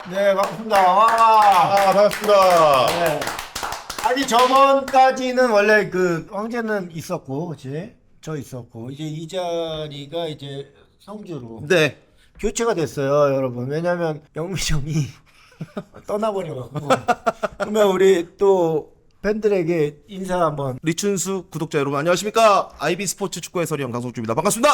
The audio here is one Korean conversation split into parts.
네, 반갑습니다. 와. 반갑습니다. 네. 아니, 저번까지는 원래 그 황제는 있었고, 그치? 저 있었고, 이제 이 자리가 이제 성주로 네. 교체가 됐어요, 여러분. 왜냐면 영미정이 떠나버려갖고. 그러면 우리 또 팬들에게 인사 한번. 리춘수 구독자 여러분 안녕하십니까? IB 스포츠 축구 해설위 강성주입니다. 반갑습니다.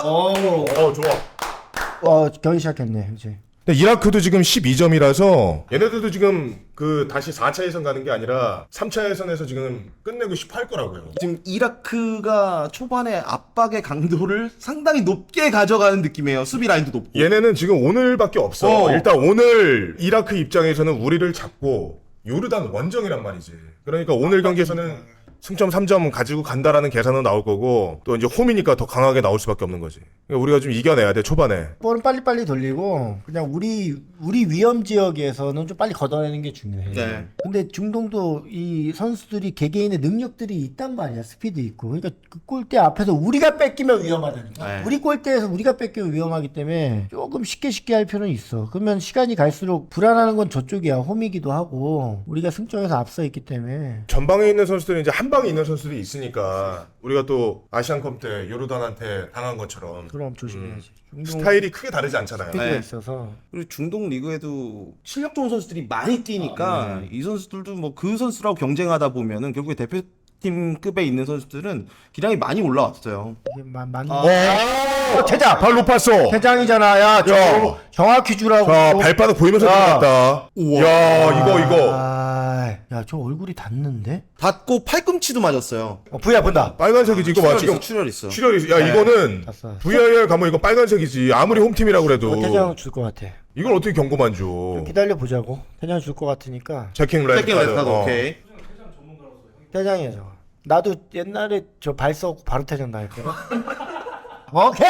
좋아. 경기 시작했네, 이제. 근데 이라크도 지금 12점이라서 얘네들도 지금 그 다시 4차 예선 가는 게 아니라 3차 예선에서 지금 끝내고 싶어 할 거라고요. 지금 이라크가 초반에 압박의 강도를 상당히 높게 가져가는 느낌이에요. 수비 라인도 높고. 얘네는 지금 오늘밖에 없어. 일단 오늘 이라크 입장에서는 우리를 잡고 요르단 원정이란 말이지. 그러니까 오늘 경기에서는 승점 3점 가지고 간다라는 계산은 나올 거고 또 이제 홈이니까 더 강하게 나올 수밖에 없는 거지. 그러니까 우리가 좀 이겨내야 돼 초반에. 볼은 빨리빨리 돌리고 그냥 우리 위험 지역에서는 좀 빨리 걷어내는 게 중요해. 네. 근데 중동도 이 선수들이 개개인의 능력들이 있단 말이야. 스피드 있고. 그러니까 그 골대 앞에서 우리가 뺏기면 위험하다니까. 네. 우리 골대에서 우리가 뺏기면 위험하기 때문에 조금 쉽게 할 필요는 있어. 그러면 시간이 갈수록 불안하는 건 저쪽이야. 홈이기도 하고 우리가 승점에서 앞서 있기 때문에. 전방에 있는 선수들은 이제 한 방에 있는 선수들이 있으니까 우리가 또 아시안컵 때 요르단한테 당한 것처럼 그럼 조심해야지. 중동 스타일이 크게 다르지 않잖아요. 스피드가 네. 있어서. 그리고 중동 리그에도 실력 좋은 선수들이 많이 뛰니까 이 선수들도 뭐 그 선수라고 경쟁하다 보면은 결국에 대표팀급에 있는 선수들은 기량이 많이 올라왔어요. 이게 맞는 태자 발 높았어. 회장이잖아. 야, 정확히 주라고. 자 발바닥 보이면서 들어갔다. 야 이거. 야, 저 얼굴이 닿는데? 닿고 팔꿈치도 맞았어요. 부야 본다. 빨간색이지 이거 봐 지금. 출혈 있어. 출혈이. 야 이거는 봤어. VAR 가면 이거 빨간색이지. 아무리 홈팀이라고 그래도. 태장 줄 것 같아. 이걸 어떻게 경고만 줘. 기다려 보자고. 태장 줄 것 같으니까. 체킹 레드 세팅 레드 카드 카드. 오케이. 태장이야 저거. 나도 옛날에 저 발 써고 바로 태장 당했거든. 오케이.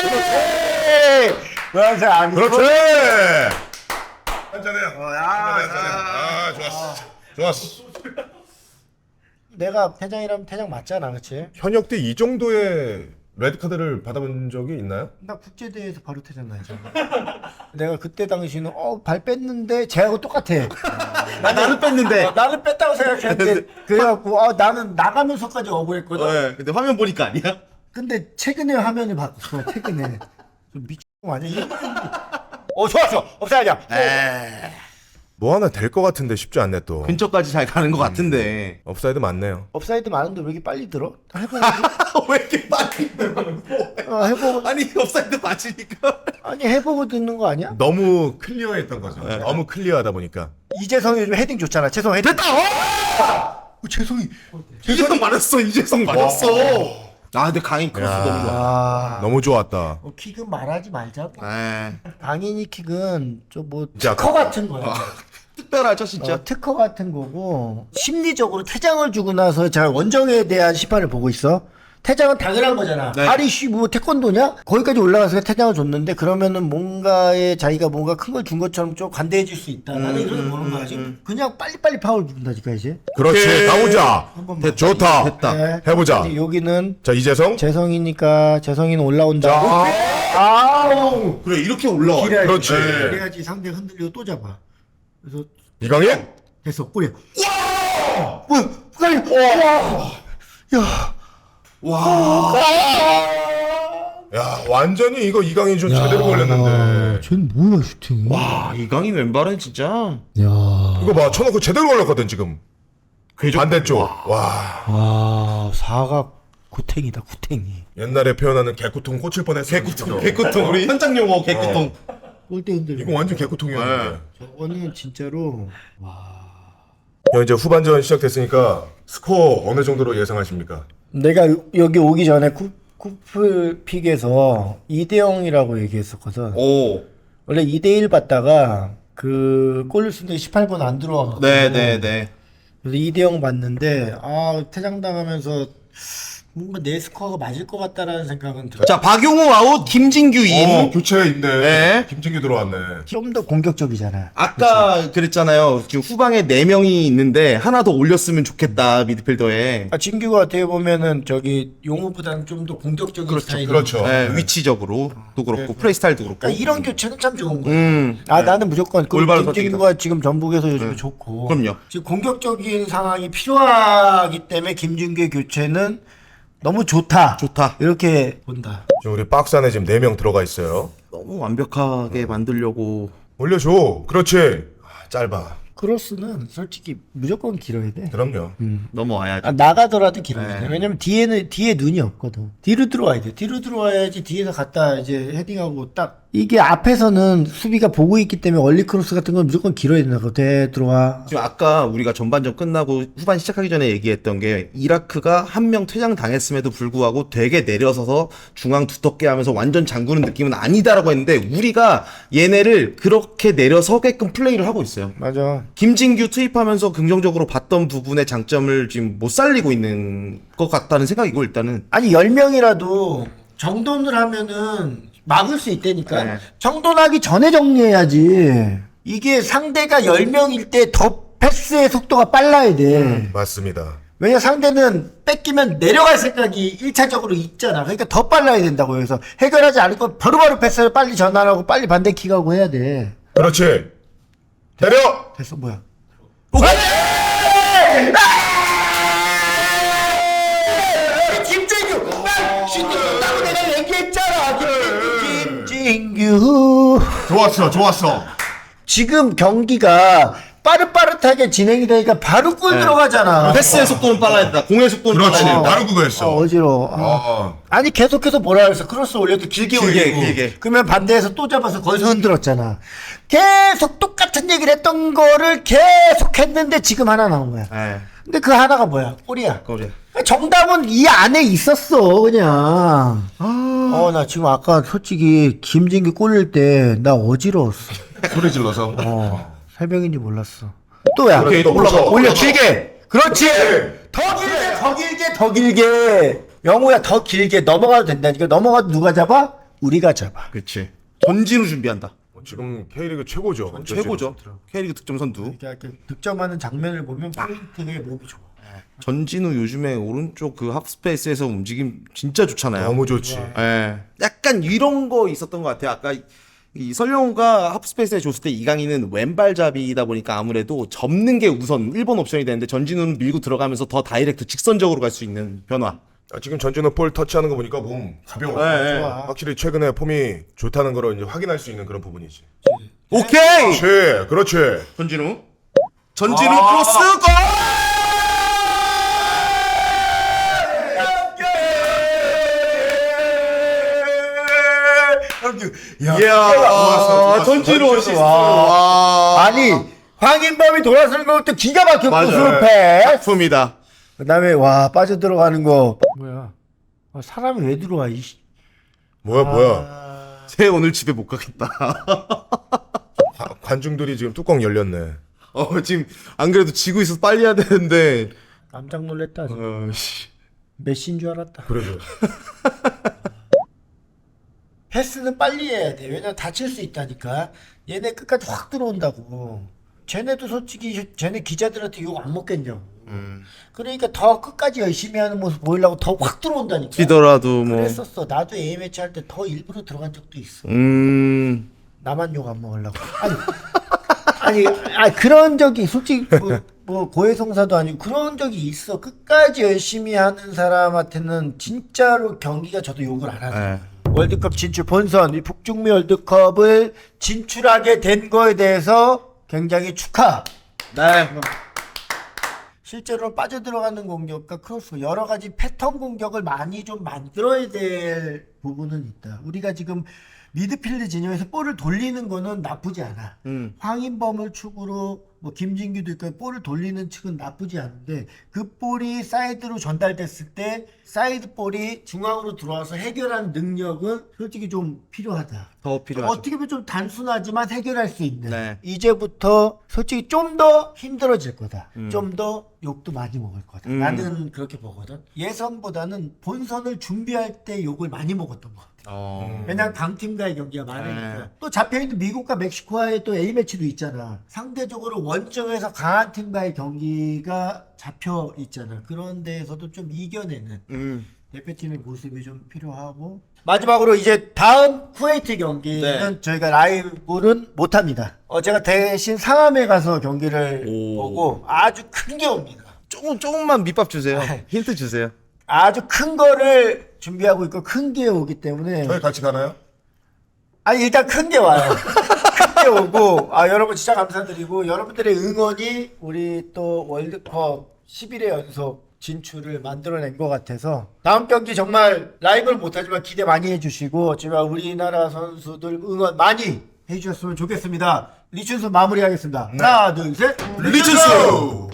노란색 안 그렇지. 한잔해요. 아 좋았어. 내가 태장이라면 태장 맞잖아, 그렇지? 현역 때 이 정도의 레드 카드를 받아본 적이 있나요? 나 국제대회에서 바로 태장 당했잖아. 내가 그때 당시는 발 뺐는데 쟤하고 똑같아. 나는 뺐는데. 나는 뺐다고 생각했는데 그래갖고 나는 나가면서까지 억울했거든. 네, 근데 화면 보니까 아니야. 근데 최근에 화면을 바꿨어. 최근에 좀 미친 거 아니야? 좋았어. 없어야냐. 뭐 하나 될 것 같은데 쉽지 않네 또. 근처까지 잘 가는 것 같은데. 업사이드 맞네요. 업사이드 많은데 왜 이렇게 빨리 들어? 해보고. 왜 이렇게 빨리 해보고. 아니 업사이드 맞으니까. 아니 해보고 듣는 거 아니야? 너무 클리어했던 거죠. 너무 클리어하다 보니까. 이재성이 요즘 헤딩 좋잖아. 죄송 헤딩. 됐다. 재성이. 이재성 맞았어. 이재성 맞았어. 아 근데 강인 크로스 너무 좋아. 너무 좋았다. 킥은 말하지 말자고. 에 강인이 킥은 좀뭐 진짜 특허 같은 거야. 특별하죠 진짜. 특허 같은 거고 심리적으로 퇴장을 주고 나서 자 원정에 대한 심판을 보고 있어. 퇴장은 당연한 거잖아. 네. 아리씨 뭐 태권도냐? 거기까지 올라가서 퇴장을 줬는데 그러면은 뭔가에 자기가 뭔가 큰 걸 준 것처럼 좀 관대해질 수 있다. 나는 이렇게 보는 거야 지금. 그냥 빨리빨리 파울 준다니까 이제. 그렇지. 오케이. 가보자. 번만. 좋다. 됐다. 네. 해보자. 근데 여기는 자 이재성. 재성이니까 재성이는 올라온다고. 아우. 그래 이렇게 올라와. 길어야지. 그렇지. 그래야지 상대가 흔들리고 또 잡아. 그래서 이강인. 됐어 꼬리야. 와! 뭐야? 와! 야! 와. 야 완전히 이거 이강인 좀 제대로 걸렸는데. 쟤는 뭐야 슈팅이? 와 이강인 왼발은 진짜. 야. 이거 봐 쳐놓고 제대로 걸렸거든 지금. 반대쪽. 와. 사각 구탱이다 구탱이. 옛날에 표현하는 개구통 꽂힐 뻔했어. 개구통 우리 현장 용어 개구통. 골대 흔들고. 이거 완전 개구통이었는데. 저거는 진짜로 이제 후반전 시작됐으니까 스코어 어느 정도로 예상하십니까? 내가 여기 오기 전에 쿠플픽에서 2대0이라고 얘기했었거든. 오. 원래 2대1 봤다가 그 골을 쓴데 18번 안 들어와가지고 네네네. 그래서 2대0 봤는데 퇴장당하면서 뭔가 내 스코어가 맞을 것 같다라는 생각은 들어요. 자, 박용우 아웃, 김진규 인. 교체 있네. 네. 김진규 들어왔네. 좀 더 공격적이잖아. 아까 그랬잖아요. 지금 후방에 4명이 있는데 하나 더 올렸으면 좋겠다, 미드필더에. 진규가 어떻게 보면은 저기 용호보다는 좀 더 공격적인 스타일이. 그렇죠. 네, 위치적으로도 그렇고 플레이 스타일도 그렇고. 그러니까 이런 교체는 참 좋은 거예요. 나는 무조건 그 올바른 김진규가 지금 전북에서 요즘에 좋고. 그럼요. 지금 공격적인 상황이 필요하기 때문에 김진규의 교체는 너무 좋다. 좋다. 이렇게 본다. 지금 우리 박스 안에 지금 4명 들어가 있어요. 너무 완벽하게 만들려고. 올려줘. 그렇지. 짧아. 크로스는 솔직히 무조건 길어야 돼. 그럼요. 넘어와야죠. 나가더라도 길어야 돼. 왜냐면 뒤에 눈이 없거든. 뒤로 들어와야 돼. 뒤로 들어와야지 뒤에서 갔다 이제 헤딩하고 딱. 이게 앞에서는 수비가 보고 있기 때문에 얼리 크로스 같은 건 무조건 길어야 된다고. 들어와. 지금 아까 우리가 전반전 끝나고 후반 시작하기 전에 얘기했던 게 이라크가 한 명 퇴장 당했음에도 불구하고 되게 내려서서 중앙 두텁게 하면서 완전 잠그는 느낌은 아니다라고 했는데 우리가 얘네를 그렇게 내려서게끔 플레이를 하고 있어요. 맞아. 김진규 투입하면서 긍정적으로 봤던 부분의 장점을 지금 못 살리고 있는 것 같다는 생각이고 일단은. 아니 10명이라도 정돈을 하면은 막을 수 있다니까. 네. 정돈하기 전에 정리해야지. 이게 상대가 10명일 때 더 패스의 속도가 빨라야 돼. 맞습니다. 왜냐 상대는 뺏기면 내려갈 생각이 1차적으로 있잖아. 그러니까 더 빨라야 된다고. 그래서 해결하지 않고 바로바로 패스를 빨리 전환하고 빨리 반대킥하고 해야 돼. 그렇지. 때려. 됐어 뭐야. 김진규! 신규라고 내가 얘기했잖아. 김진규. 좋았어. 지금 경기가 빠릇빠릇하게 진행이 되니까 바로 골 들어가잖아. 패스의 속도는 빨라야 된다. 공의 속도는 그렇지. 빨라야 된다. 바로 그거였어. 어지러워. 아니 계속해서 뭐라 그랬어. 크로스 올려도 길게 올리고. 길게. 그러면 반대에서 또 잡아서 거기서 흔들었잖아. 계속 똑같은 얘기를 했던 거를 계속 했는데 지금 하나 나온 거야. 네. 근데 그 하나가 뭐야? 골이야. 거리야. 정답은 이 안에 있었어 그냥. 나 지금 아까 솔직히 김진규 골릴 때 나 어지러웠어. 소리 질러서. 새벽인지 몰랐어. 또야. 오케이, 또 올려 길게. 그렇지. 더 길게. 영호야 더 길게 넘어가도 된다니까. 넘어가도 누가 잡아? 우리가 잡아. 그렇지. 전진우 준비한다. 지금 K리그 최고죠. 최고죠. K리그 득점 선두. 이렇게 득점하는 장면을 보면 포인트에 몸이 좋아. 전진우 요즘에 오른쪽 그 하프스페이스에서 움직임 진짜 좋잖아요. 너무 좋지. 예. 약간 이런 거 있었던 것 같아요. 아까 이 설영우가 하프스페이스에 줬을 때 이강인은 왼발잡이다 보니까 아무래도 접는 게 우선 1번 옵션이 되는데 전진우는 밀고 들어가면서 더 다이렉트 직선적으로 갈 수 있는 변화. 지금 전진우 볼 터치하는 거 보니까 몸 가벼워. 좋아. 확실히 최근에 폼이 좋다는 거를 이제 확인할 수 있는 그런 부분이지. 오케이! 그렇지. 전진우 크로스 골! 이야, 전진우 어시스트. 아니 황인범이 돌아서는 것도 기가 막혀. 맞아요. 패스. 작품이다. 그다음에 와 빠져 들어가는 거. 뭐야? 사람이 왜 들어와? 뭐야. 쟤 오늘 집에 못 가겠다. 관중들이 지금 뚜껑 열렸네. 지금 안 그래도 지고 있어서 빨리 해야 되는데. 깜짝 놀랐다. 씨. 메시인 줄 알았다. 그래도. 패스는 빨리 해야 돼. 왜냐면 다칠 수 있다니까. 얘네 끝까지 확 들어온다고. 쟤네도 솔직히 쟤네 기자들한테 욕 안 먹겠냐고. 그러니까 더 끝까지 열심히 하는 모습 보이려고 더 확 들어온다니까. 뛰더라도 뭐. 그랬었어. 나도 A매치 할 때 더 일부러 들어간 적도 있어. 나만 욕 안 먹으려고. 아니 그런 적이 솔직히 뭐 고해성사도 아니고 그런 적이 있어. 끝까지 열심히 하는 사람한테는 진짜로 경기가 저도 욕을 안 하죠. 네. 월드컵 진출 본선 이 북중미 월드컵을 진출하게 된 거에 대해서 굉장히 축하. 네. 실제로 빠져들어가는 공격과 크로스 여러 가지 패턴 공격을 많이 좀 만들어야 될 부분은 있다. 우리가 지금 미드필드 진영에서 볼을 돌리는 거는 나쁘지 않아. 황인범을 축으로 뭐 김진규도 있고 볼을 돌리는 측은 나쁘지 않은데 그 볼이 사이드로 전달됐을 때 사이드 볼이 중앙으로 들어와서 해결하는 능력은 솔직히 좀 필요하다. 더 필요하죠. 어떻게 보면 좀 단순하지만 해결할 수 있는. 네. 이제부터 솔직히 좀 더 힘들어질 거다. 좀 더 욕도 많이 먹을 거다. 나는 그렇게 보거든. 예선보다는 본선을 준비할 때 욕을 많이 먹었던 것 같아. 왜냐면 강팀과의 경기가 많으니까. 네. 또 잡혀있는 미국과 멕시코와의 또 A매치도 있잖아. 상대적으로 원정에서 강한 팀과의 경기가 잡혀 있잖아. 그런 데에서도 좀 이겨내는 대표팀의 모습이 좀 필요하고. 마지막으로 이제 다음 쿠웨이트 경기는 네. 저희가 라이브는 못합니다. 제가 대신 상암에 가서 경기를 오. 보고 아주 큰 게 옵니다. 조금만 밑밥 주세요. 힌트 주세요. 아주 큰 거를 준비하고 있고 큰 게 오기 때문에 저희 같이 가나요? 아니 일단 큰 게 와요. 큰 게 오고 여러분 진짜 감사드리고 여러분들의 응원이 우리 또 월드컵 11회 연속 진출을 만들어낸 것 같아서 다음 경기 정말 라이브를 못하지만 기대 많이 해주시고 제가 우리나라 선수들 응원 많이 해주셨으면 좋겠습니다. 리춘수 마무리하겠습니다. 하나 둘 셋 리춘수!